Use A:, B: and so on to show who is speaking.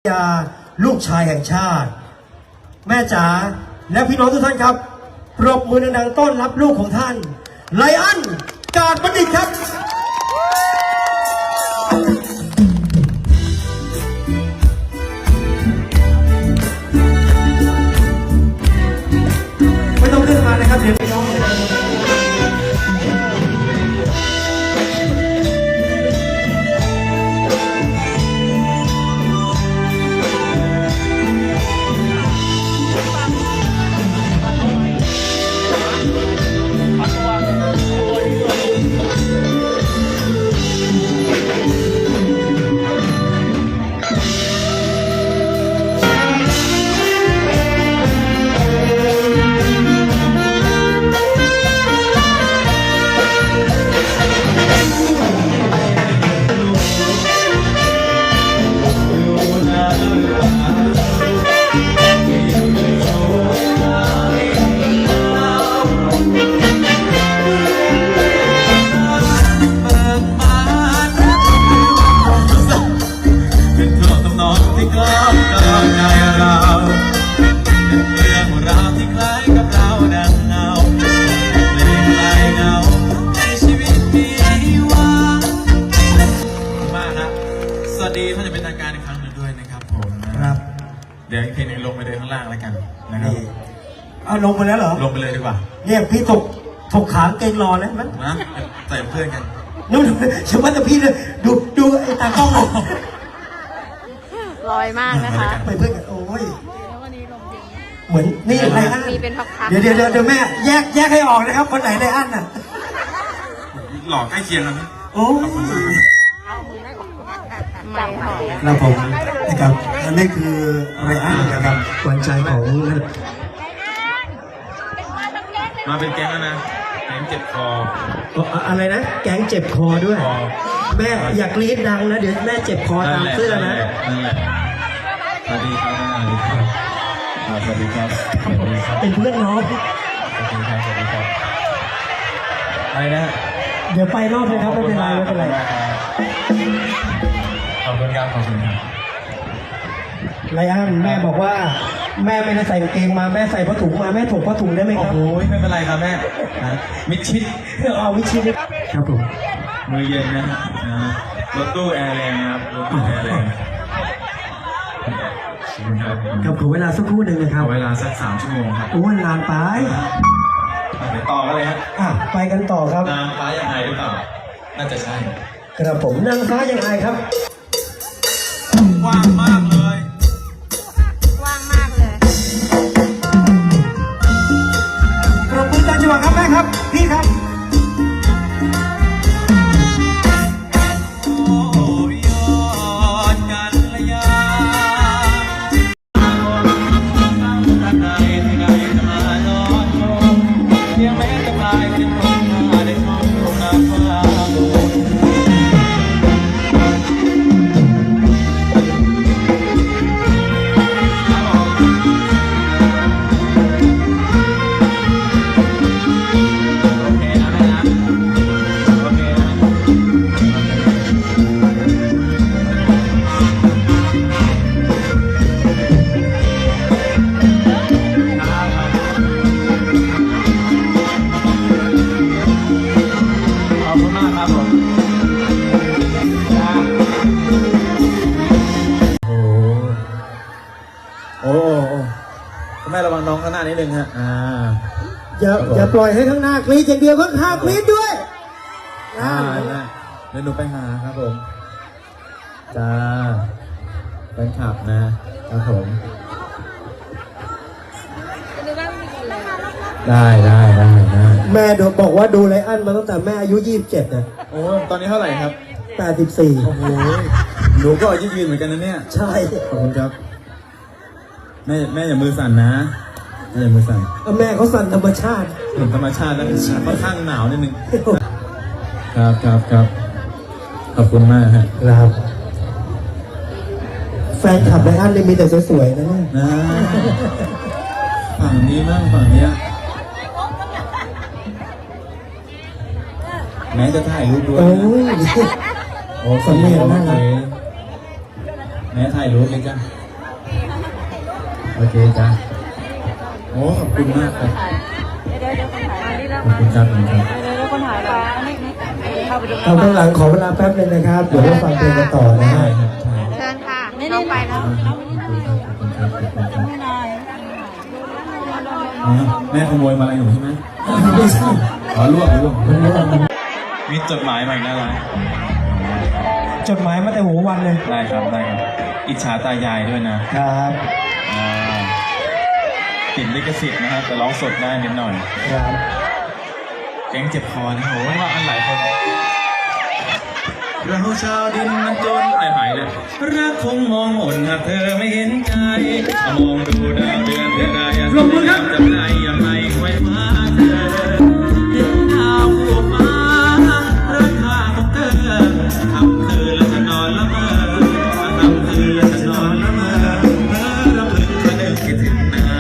A: ยาลูกชายแห่งชาติแม่จ๋าและพี่น้องทุกท่านครับปรบมือดังๆต้อนรับลูกของท่านไลอ้อนกาดบัณฑิตครับไม่ต้องขึ้นมานะครับเดี๋ยวพี่น้อง
B: เดี๋ยวอีกเพลงนึงลงไปเลยข้างล่างแล้วกันนะครับ
A: เอาลงไปแล้วเหรอ
B: ลงไปเลยดีกว่า
A: เนี่ยพี่ถกขาเกงรอแล้วมั้ย
B: นะใส่เพื่อนกัน
A: นู่นเชื่อว่าแต่พี่เลยดูไอ้ตากล้อง
C: ลอยมากนะคะ
A: ไปเพื่อนกันโอ้ยเหมือนนี่ไรอัน
C: มีเป็นพักๆ
A: เดี๋ยวแม่แยกให้ออกนะครับคนไหนไรอันน่ะ
B: หล่อใกล้เคียงกันไหม
A: โอ้
C: ไม่หอม
A: ครับผมนะครับอันนี้คือไรอันนะครับหวานใจของ
B: มาเป็นแก๊งแล้วนะแก๊งเจ็บคอ
A: อะไรนะแก๊งเจ็บคอด้วยแม่อยากรีดดังนะเดี๋ยวแม่เจ็บคอตามเสื้อนะ
B: นั่นแหละสวัสดีครับสวัสดีครับ
A: เป็นเพื่อนน้อง
B: สวัสดีครับไปนะ
A: เดี๋ยวไปรอบเลยครับไม่เป็นไร
B: ขอบคุณครับ
A: ไรอันแม่บอกว่าแม่ไม่ได้ใส่กางเกงมาแม่ใส่ผ้าถุงมาแม่ถกผ้าถุงได้ไหมครับ
B: โอ้ยไม่เป็นไรครับแม่มิดชิด
A: เอามิดชิดครับผม
B: มือเย็นนะรถตู้แอร์แรงครับรถตู้แอร์แรง
A: ครับขอเวลาสักครู่หนึ่งนะครับ
B: เวลาสัก3 ชั่วโมงครับ
A: โอ้ยนานไป
B: ไปต่อกันเลยฮะ
A: ไปกันต่อครับ
B: นางฟ้ายังไงหรือเปล่าน่าจะใช่
A: ครับผมนางฟ้ายังไงครับ
B: ว่างมากเลย
C: ว่างมากเลย
A: ปรบมือตามจังหวะครับแม่ครับพี่ครับ
B: แม่ระวังน้องข้างหน้านิดนึงฮะ
A: อย่าปล่อยให้ข้างหน้ากรี๊ดอย่างเดียวข้างข้างกรี๊ดด้วย
B: เดี๋ยวหนูไปหาครับผมจ้าเป็นขับนะครับผมได้
A: แม่บอกว่าดูไรอันมาตั้งแต่แม่อายุ27นะ
B: โอ้ตอนนี้เท่าไหร่ครับ
A: 84
B: โอ้โหหนูก็อายุยืนเหมือนกันนะเนี่ย
A: ใช่
B: ขอบคุณครับแม่อย่ามือสั่นนะอย่ามือสั่น
A: แม่เขาสั่นธรรมชาติ
B: ธรรมชาติแล้วค่อนข้างหนาวนิดนึงครับขอบคุณมาก
A: ครับแฟนคลับไรอันเลยมีแต่สวยๆนะ
B: ฝั่งนี้มั่งฝั่งนี้แม้จะถ่ายรูปด้วย
A: โอ้สำเนียงน่ารัก
B: แม่ถ่ายรูปเลยจ้ะโอเคจ้ะโอ้ขอบคุณมากครับ
C: เดี๋ยวคนถ่ายนี่แล้ว
B: ขอบคุณครับขอบคุณครับ
C: เดี๋ยวคนถ่ายก่อนเข้าไปดู
A: เอาข้างหลังขอเวลาแป๊บนึงนะครับ เดี๋ยวเราฟังเพลงกันต่อนะ
B: ใช่
A: ฮะ
B: ครับใช่
C: เชิญค่ะน้องไปแล้ว
B: ขอบคุณครับขอบคุณครับขอบคุณครับ
C: ไม่นาน
B: แม่ขโมยมาอะไรหนูใช่ไหมไม่ใช่อ๋อลวก
D: มีจดหมายมาอีกน่ารัก
A: จดหมายมาแต่หัววันเลย
D: ได้ครับได้ครับ อิจฉาตายายด้วยนะครับ อ่าติดลิขสิทธิ์นะครับแต่ร้องสดได้นิดหน่อย
A: ครับ
D: แก๊งเจ็บคอนะโหว่าอันหลายคนเราชาวดินมันจนหายเลยรักคงมองหนหากเธอไม่เห็นใจมองดูดาวเดือนเดือนใดลงมือครับจำได้ยังไงไว้ว่าเธอเห็นดาวหัวฟ้าราคาของเธอทำคืนแล้วจะนอนละเมอทำคืนแล้วจะนอนละเมอเพ้อรำลึกเธอเดินคิดถึงนา